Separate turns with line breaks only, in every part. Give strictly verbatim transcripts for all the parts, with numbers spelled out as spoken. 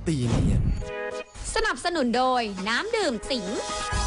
ตีเนียน
สนับสนุนโดยน้ำดื่มสิง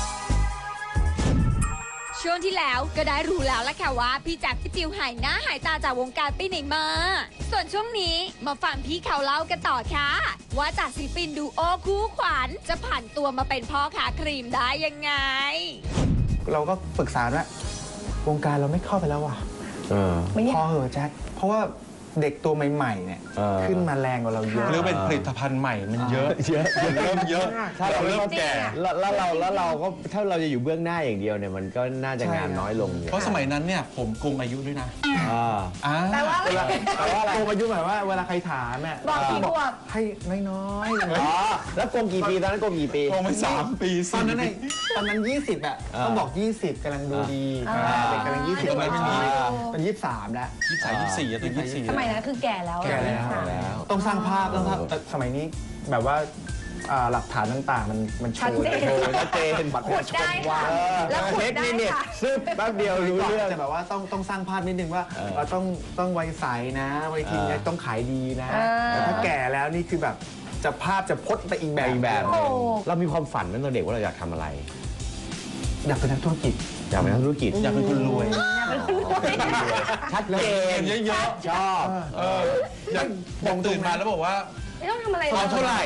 ช่วงที่แล้วก็ได้รู้แล้วละค่ะว่าพี่แจ็คพี่จิวหายหน้าหายตาจากวงการไปไหนมาส่วนช่วงนี้มาฟังพี่เขาเล่ากันต่อค่ะว่าจากศิลปินดูโอคู่ขวัญจะผ่านตัวมาเป็นพ่อค้าครีมได้ยังไง
เราก็ปรึกษาว่าวงการเราไม่เข้าไปแล้วว่ะพอเหอะแจ็คเพราะว่าเด็กตัวใหม่ๆเนี่ยขึ้นมาแรงกว่าเราเยอะ
หรือเป็นผลิตภัณฑ์ใหม่มันเยอะเยอะเริ่มเยอะ
ถ้าเรา
เริ่มแก่
แล้วเราแล้วเราก็ถ้าเราจะอยู่เบื้องหน้าอย่างเดียวเนี่ยมันก็น่าจะงานน้อยลง
เพราะสมัยนั้นเนี่ยผมโกงอายุด้วยนะ
แต่ว่าแต่ว่าโกงอายุหมายว่าเวลาใครถามเนี่ย
บอกกี่ขวบ
ให้น้อยๆ
อ๋อแล้วโกงกี่ปีตอนนั้นโกงกี่ปี
โกงไปสามปี
ตอนนั้นตอนนั้นยี่สิบอ่ะต้องบอกยี่สิบกำลังดูดีเด็กกำลังยี่สิบไม่มีเป็นยี่สิบสามแล้ว
ยี่สิบสามยี่สิบสี่ตัวยี่สิบสี่
สมัยนั้นคือแก่แล้ว
แก่แล้วต้องสร้างภาพต้องแต่สมัยนี้แบบว่าหลักฐานต่างๆมันมันโชว์
โชว์ชัดเจน
บัตรประชาชนว่า
แล้วเทคนิคเนี่ยซึบแป๊บเดียวรู้เรื่อง
แต่แบบว่าต้องต้องสร้างภาพนิดนึงว่าเราต้องต้องวัยใสนะวัยทีนี้ต้องขายดีนะแต่ถ้าแก่แล้วนี่คือแบบจะภาพจะพจน์ไปอีกแบบ
อีกแบบเรามีความฝันตั้งแต่เด็กว่าเราอยากทำอะไร
อยากเป็นนักธุรกิจ
อยากเป็นนักธุรกิจ
อยากเป็นคนรวย
ชัดเจน
เยอะ
ๆชอบ
อยากบอกตื่นมาแล้วบอกว่า
ไม่ต้องทำอะไร
เอาเท่าไหร่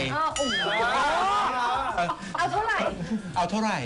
เอาเท่าไหร่
เอาเท่าไหร่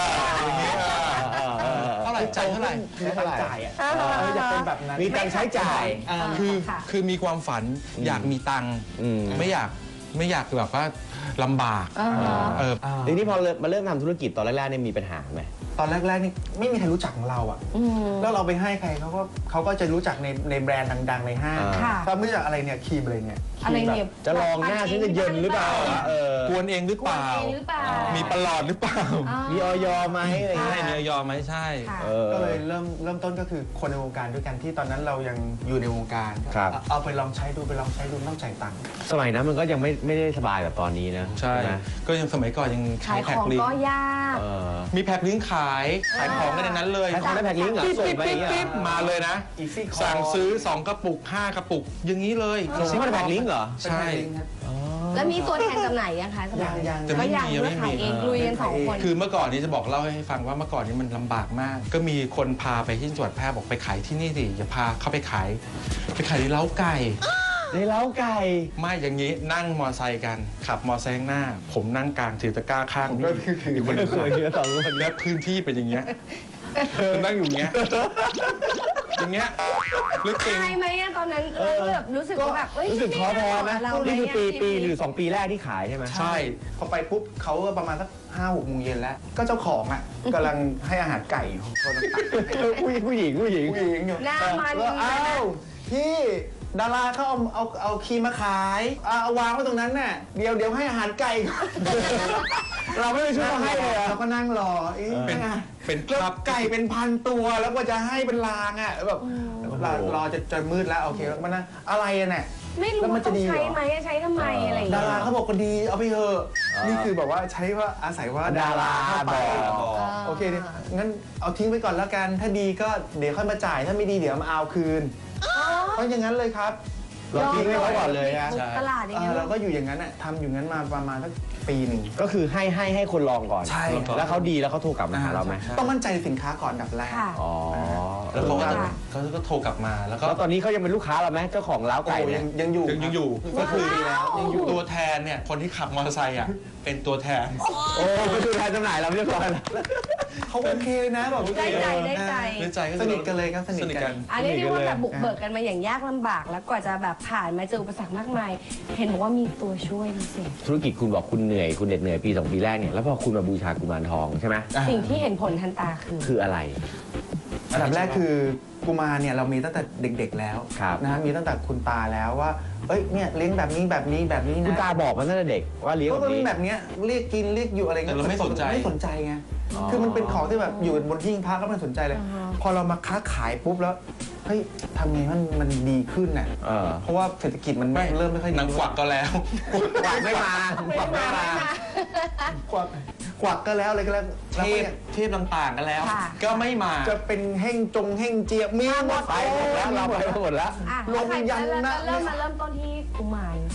เท่าไหร่จ่ายเท่าไหร่
เท่าไหร่จ่ายอ่ะอยากเป็นแบบนั้น
มีตังค์ใช้จ่าย
คือคือมีความฝันอยากมีตังค์ไม่อยากไม่อยากแบบว่าลำบาก
ทีนี้พอมาเริ่มทำธุรกิจตอนแรกๆเนี่ยมีปัญหาไหม
ตอนแรกๆนี่ไม่มีใครรู้จักของเราอ่ะแล้วเราไปให้ใครเขาก็เขาก็จะรู้จักในในแบรนด์ดังๆในห้างถ้าไม่รู้จักอะไรเนี่ยครีมอะไรเนี่ย
อะไรเนี่ย
จะลองหน้าฉันจะเย็นหรือเปล่าก
วนเองหรือเปล่ามีประหลอดหรือเปล่า
มีออยไหมอะไร
ใช่มีออยไหมใช่
ก็เลยเริ่มเริ่มต้นก็คือคนในวงการด้วยกันที่ตอนนั้นเรายังอยู่ในวงการเอาไปลองใช้ดูไปลองใช้ดูต้องจ่ายตังค์
สมัยนั้นมันก็ยังไม่ไม่ได้สบายแบบตอนนี้นะ
ใช่ก็ยังสมัยก่อนยัง
ขายของก็ยาก
มีแพ็คลิงก์ขายขายของกันในนั้นเลย
ขายของได้แพ็คลิงก์เหรอ
ปิ๊บปิ๊บปิ๊บมาเลยนะสั่งซื้อสองกระปุกห้ากระปุกอย่างนี้เลย
ซื้อมาแพ็คลิงก์เหรอ
ใช่
แล้วมีตัวแทนจำหน่ายยังคะ
ยังยัง
แต่ไม่มี
ไม่มีเองลุยกันสองคน
คือเมื่อก่อนนี้จะบอกเล่าให้ฟังว่าเมื่อก่อนนี้มันลำบากมากก็มีคนพาไปที่จังหวัดแพร่บอกไปขายที่นี่สิอย่าพาเข้าไปขายไปขายในเล้าไก่
ในเล้าไก่
ไม่อย่างนี้นั่งมอไซค์กันขับมอไซค์หน้าผมนั่งกลางถือตะกร้าข้าง
นี่อีกคน
เคยเยอะสองคน
และพื้นที่เป็นอย่างเงี้ยนั่งอยู่เงี้ยอย่างเงี้ย
รู้จริงไหมตอนนั้นแบบรู้สึกว่าแบบ
รู้สึกท้อแท้ไหมนี่คือปีปีหรือสองปีแรกที่ขายใช่ไหม
ใช่พอไปปุ๊บเขาก็ประมาณสักห้าหกโมงเย็นแล้วก็เจ้าของอ่ะกำลังให้อาหารไก่คนต่าง
ๆผู้หญิงผู้หญิงผู้หญิง
ผู้หญิงอยู่
หน้ามัน
อ้าวพี่ดาราเขาเอาเอาเอาครีมมาขายเอาวางไว้ตรงนั้นน่ะเดี๋ยวเดี๋ยวให้อาหารไก่เราไม่ได้ช่วยเขาให้เลยเราก็นั่งรอ
เป็นเป็น
ภาพไก่เป็นพันตัวแล้วก็จะให้เป็นลางอ่ะแบบรอจะจะมืดแล้วโอเคแล้วมันนะอะไรเนี่ย
ไม่รู้ว่าต้องใช้ไหมใช้ทำไมอะไร
ดาราเขาบอกก็ดีเอาไปเถอะนี่คือแบบว่าใช้ว่าอาศัยว่า
ดารา
บอกโอเคงั้นเอาทิ้งไปก่อนแล้วกันถ้าดีก็เดี๋ยวค่อยมาจ่ายถ้าไม่ดีเดี๋ยวมาเอาคืนเพราะอย่างนั้นเลยครับ
เราทิ้งไว้ก่อนเลยนะ
ตลาดอย่างเงี้ย
เราก็อยู่อย่างนั้นอ่ะทำอยู่งั้นมาประมาณสักปีหนึ่ง
ก็คือให้ให้ให้คนลองก่อน
ใช่
แล้วเขาดีแล้วเขาโทรกลับมาหาเราไหม
ต้องมั่นใจสินค้าก่อนดับแรก
อ๋อ
แล้วเขาก็เขาก็โทรกลับมาแล้วก็
ตอนนี้เขายังเป็นลูกค้าเราไหมเจ้าของร้านไก่
ยังยังอยู่
ยังอยู่ก็คือแล้วยังอยู่ตัวแทนเนี่ยคนที่ขับมอเตอร์ไซค์อ่ะเป็นตัวแทน
โอ้เป็นตัวแทนจำหน่ายเราเรียบร้อยแล้ว
เขาโอเคนะแบบ
ได้ใจได้ใจ
ได้ใจ
สนิทกันเลยครับ
สนิทกัน
อันนี้เรียกว่าแบบบุกเบิกกันมาอย่างยากลำบากแล้วกว่าจะแบบผ่านมาเจออุปสรรคมากมายเห็นบอกว่ามีตัวช่วยพิเศษ
ธุรกิจคุณบอกคุณเหนื่อยคุณเหน็ดเหนื่อยปีสองปีแรกเนี่ยแล้วพอคุณมาบูชากุมารทองใช่ไหม
สิ่งที่เห็นผลทันตาคือ
คืออะไร
อันดับแรกคือกุมารเนี่ยเรามีตั้งแต่เด็กๆแล้วนะมีตั้งแต่คุณตาแล้วว่าเอ้ยเนี่ยเลี้ยงแบบนี้แบบนี้แบบนี้นะ
คุณตาบอกมาตั้งแต่เด็กว่าเลี้ยง
แบบนี้แบบนี้เรียกกินเรียกอยู่อะไรเงี้ย
เราไม่สนใจ
ไม่สนใจไงคือมันเป็นของที่แบบอยู่บนหิ้งพระก็ไม่สนใจเลยพอเรามาค้าขายปุ๊บแล้วเฮ้ยทำไงมันมันดีขึ้นน่ะเพราะว่าเศรษฐกิจมันเริ่มไม่ค่อยดี
นังกวักก็แล้ว
กวักไม่มา
กวักไม่มาก
วักกวักก็แล้วอะไรก็แล้ว
เทพเทพต่างๆกันแล้วก็ไม่มา
จะเป็นเฮ่งจงเฮ่งเจียมีหมด
ไปหมดแล้วเราไปหมดแล้ว
ลงยันนะเริ่มมาเริ่มต้นที่กุมารทอง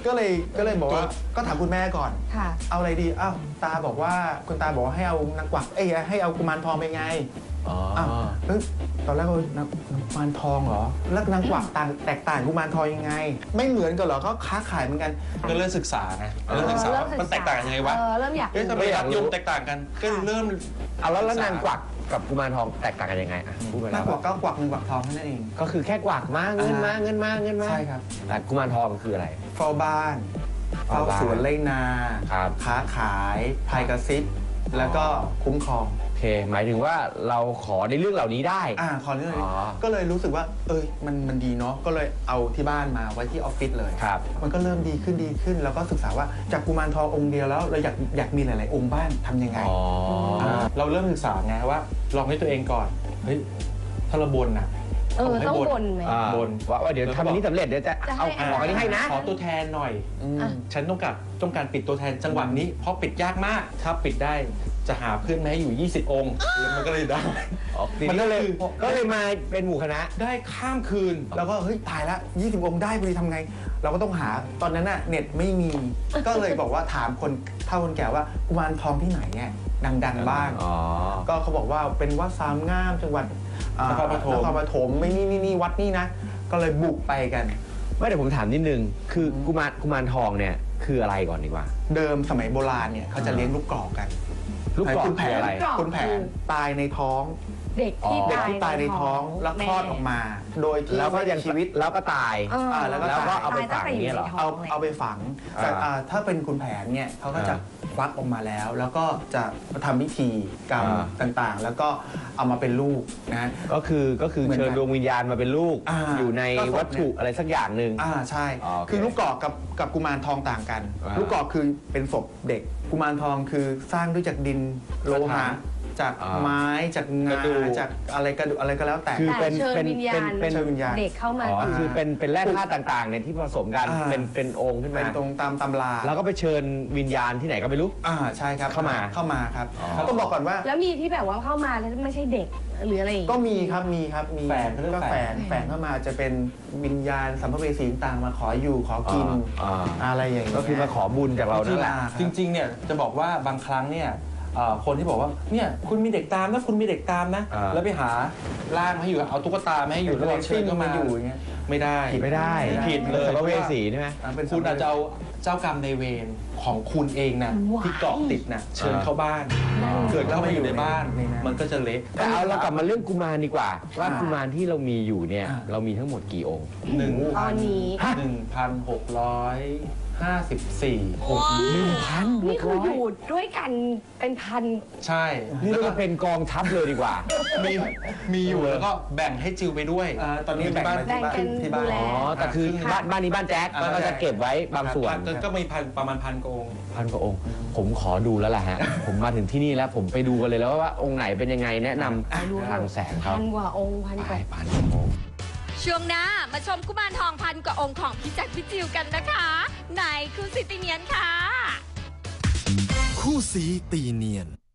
ก็เลยก็เลยบอกว่าก็ถามคุณแม่ก่อน
ค่ะ
เอาอะไรดีอ้าวตาบอกว่าคุณตาบอกว่าให้เอานางกวักเอ้ยให้เอากุมารทองไปไง
อ๋อ
อ้าวเอ้ยตอนแรกก็นางนางกุมารทองเหรอแล้วนางกวักต่างแตกต่างกุมารทองยังไง ไม่เหมือนกันเหรอก็ค้าขายเหมือนกัน
ก็เริ่มศึกษาไงเริ่มศึกษาว่ามันแตกต่างกันยังไงวะ
เออเริ่มอยาก
เอ๊ะทำไมรักยมแตกต่างกันก็เริ่ม
เอาแล้วแล้วนางกวักกับกุมารทองแตกต่างกันยังไงอ่ะพูดไป
นา
แล้
ง
ว
กวักก็กวักหนึ่งกวักทองแค่นั้นเอง
ก็คือแค่กวักมาเงินมาเงินมาเงินมา
ใช่ครับ
แต่กุมารทองคืออะไร
เฝ้าบ้านเฝ้า
เฝ้าบ้าน
สวนไร่นา
ครับ
ค้าขายพายกระซิบแล้วก็คุ้มครอง
โอเค หมายถึงว่าเราขอในเรื่องเหล่านี้ได้
อ่าขอเรื่องนี้
อ๋อ
ก็เลยรู้สึกว่า เอ้ยมันมันดีเนาะก็เลยเอาที่บ้านมาไว้ที่ออฟฟิศเลย
ครับ
มันก็เริ่มดีขึ้นดีขึ้น แล้วก็ศึกษาว่าจากกุมารทององค์เดียวแล้วเราอยากอยากมีหลาย ๆ องค์บ้านทำยังไง
อ๋ออา
เราเริ่มศึกษาไงว่าลองให้ตัวเองก่อนเฮ้ยถ้าเราบนน่ะ
เออ
ให้
ต้องบ่นไหม
อ่า
บน
ว่าว่าเดี๋ยวทำอันนี้สำเร็จเดี๋ยวจะ
จะให้
เอาของอันนี้ให้นะ
ขอตัวแทนหน่อย
อืม
อ่ะ
ฉันต้องการต้องการปิดตัวแทนจังหวะนี้ เพราะปิดยากมาก ถ้าปิดได้จะหาเพื่อนมาให้อยู่ ยี่สิบ องค์แล้วมันก็เลยได้
มันก็เลย
คือ
ก็เลยมาเป็นหมู่คณะ
ได้ข้ามคืน
แล้วก็เฮ้ยตายละยี่สิบ องค์ได้พอดีทำไง เราก็ต้องหาตอนนั้นน่ะเน็ตไม่มี ก็เลยบอกว่าถามคนเฒ่าคนแก่ว่ากุมารทองที่ไหนเนี่ยดัง ๆ บ้าง
อ๋อ
ก็เขาบอกว่าเป็นวัดสามงามจังหวัดอ่าน
ครปฐม
นครปฐมไม่นี่นี่นี่วัดนี่นะ ก็เลยบุกไปกัน
ไม่เดี๋ยวผมถามนิดนึง คือกุมารกุมารทองเนี่ยคืออะไรก่อนดีกว่า
เดิมสมัยโบราณเนี่ยเขาจะเลี้ยงลูกกรอกกัน
ลูกกรอก
คุณแผ
คือน อะไร
คุณแผนตายในท้อง
เด็กที่
เด็ก
ตาย
ที่ตายในท้องแล้วคลอดออกมา โดยที่
แล้วก็ยัง
ชีวิต
แล้วก็ตาย
เออ
อ่าแล้วก็
แล้วก็
ตาย
เอาไปฝัง
ตตั้แต่
เนี่ยเหรอ
ในท้
เอา
งลย
เอาไปฝังแต่
อ่า
อ่าถ้าเป็นคุณแผนเนี่ยเขาก็จะ
อ่
ควักออกมาแล้ว แล้วก็จะทำพิธีกรรม
อ่า
ต่างๆ แล้วก็เอามาเป็นลูกนะ
ก็คือก็คือ
เหมือนกัน
เชิญดวงวิญญาณมาเป็นลูก
อ่า
อยู่ใน
ก็ศพ
วัตถุอะไรสักอย่างหนึ่ง
อ่าใช่
อ๋อโอเค
คือลูกกรอกกับกับกุมารทองต่างกัน
อ่า
ลูกกรอกคือเป็นศพเด็ก กุมารทองคือสร้างด้วยจากดินโลหะจาก
อ่า
ไม้จากงาก
ระดูก
จากอะไรกระดูกอะไรก็แล้วแต่
คือ
แต่
เป็น
เชิญ
เป็น
วิญญาณ
เป็น
เชิญวิญญาณ
เด็กเข้ามา
อ๋อ
อยู่
คือเป็นเป็นแร่ธาตุต่างๆเนี่ยที่ผสมกัน
อ่า
เป็นเป็นองค์ขึ้น
เป็
มา
นตรงตามตำรา
แล้วก็ไปเชิญวิญญาณที่ไหนก็ไม่รู้
อ่าใช่ครับ
เข้ามา
เข้ามาครับ
อ๋อ
ต้องบอกก่อนว่า
แล้วมีที่แบบว่าเข้ามาแล้วไม่ใช่เด็กหรืออะไรอย่าง
ก็
เงี้ย
มีครับมีครับมี
แฝงเขาเรียก
ก็
แฝ
แฝ
ง
งแฝงเข้ามาจะเป็นวิญญาณสัมภเวสีต่างๆมาขออยู่ขอกิน
อ่า
อะไรอย่างเงี้ย
ก็คือมาขอบุญจากเรานั่นแหละ
ครับ
จริงๆ เนี่ยจะบอกว่าบางครั้งเนี่ยเอ่อคนที่บอกว่าเนี่ยคุณมีเด็กตามนะคุณมีเด็กตามนะ
อ่า
แล้วไปหาร่างมาให้อยู่เอาตุ๊กตามาให้อยู่แล้วเชิญเข้ามาอยู่อย่างเงี้ยไม่ได้
ไม่ได้
ผิดเลย
สัมภเวสีใช่ไหม
อ่าเป็น
คุณอาจจะเอาเจ้ากรรมในายเวรของคุณเองนะ
ว้าย
ที่เกาะติดนะเชิญ
อ่า
เข้าบ้าน
อ่า
เกิดเข้ามาอยู่ในบ้าน
ในนั้น
มันก็จะเละ
แต่เอาเรากลับมาเรื่องกุมารดีกว่า ว่า
อ่า
กุมารที่เรามีอยู่เนี่ย
อ่า
เรามีทั้งหมดกี่องค์
หนึ่ง
ตอนนี้
หนึ่งพันหกร้อยห้าสิบสี่องค์
หนึ่งพัน
นี่คืออยู่ด้วยกันเป็นพัน
ใช่
นี่
แล้ว
เรา
ก็
เป็นกองทัพเลยดีกว่า
มีมีอยู่แล้วก็แบ่งให้จิวไปด้วย
อ่าตอนนี้
อยู่
แบ่ง
ที่บ้าน
ไว้ที่บ้าน
แบ่งกัน
ที่บ้าน
ดูแล
อ๋อ แต่คือบ้านบ้านนี้บ้านแจ๊ค
อ่า
ก็จะเก็บไว้บางส่วน
ก็ก็มีพันประมาณพันกว่าองค์
พันกว่าองค์ ผมขอดูแล้วล่ะฮะ ผมมาถึงที่นี่แล้วผมไปดูกันเลยแล้วว่าองค์ไหนเป็นยังไงแนะนำทางแสงเขา
พันกว่าองค์พันก
ไป
ว่า
พันกว่าองค์
ช่วงหน้ามาชมกุมารทองพันกว่าองค์ของพี่แจ็คพี่จิวกันนะคะไหนคุณสิติเนียนค่ะ
คู่สีตีเนียน